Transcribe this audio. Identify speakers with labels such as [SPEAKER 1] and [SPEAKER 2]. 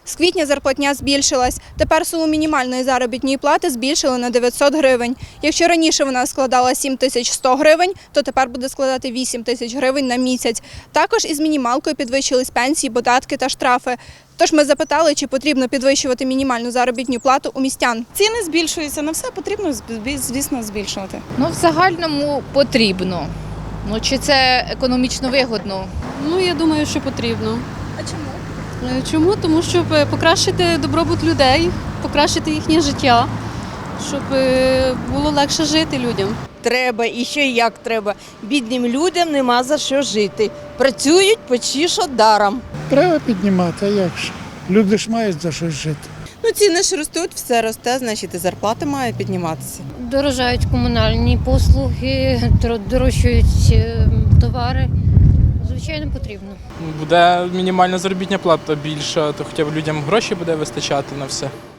[SPEAKER 1] З квітня зарплатня збільшилась. Тепер суму мінімальної заробітної плати збільшили на 900 гривень. Якщо раніше вона складала 7100 гривень, то тепер буде складати 8000 гривень на місяць. Також із мінімалкою підвищились пенсії, податки та штрафи. Тож ми запитали, чи потрібно підвищувати мінімальну заробітну плату у містян.
[SPEAKER 2] Ціни збільшуються, на все потрібно, звісно, збільшувати.
[SPEAKER 3] В загальному потрібно. Чи це економічно вигодно?
[SPEAKER 4] Я думаю, що потрібно.
[SPEAKER 1] А чому?
[SPEAKER 4] Чому? Тому щоб покращити добробут людей, покращити їхнє життя, щоб було легше жити людям.
[SPEAKER 5] Треба і ще як треба. Бідним людям нема за що жити. Працюють почти що даром.
[SPEAKER 6] Треба піднімати, а як ж? Люди ж мають за щось жити.
[SPEAKER 7] Ціни ж ростуть, все росте, значить і зарплати мають підніматися.
[SPEAKER 8] Дорожають комунальні послуги, дорожчають товари. Звичайно, потрібно.
[SPEAKER 9] Буде мінімальна заробітна плата більша, то хоча б людям гроші буде вистачати на все.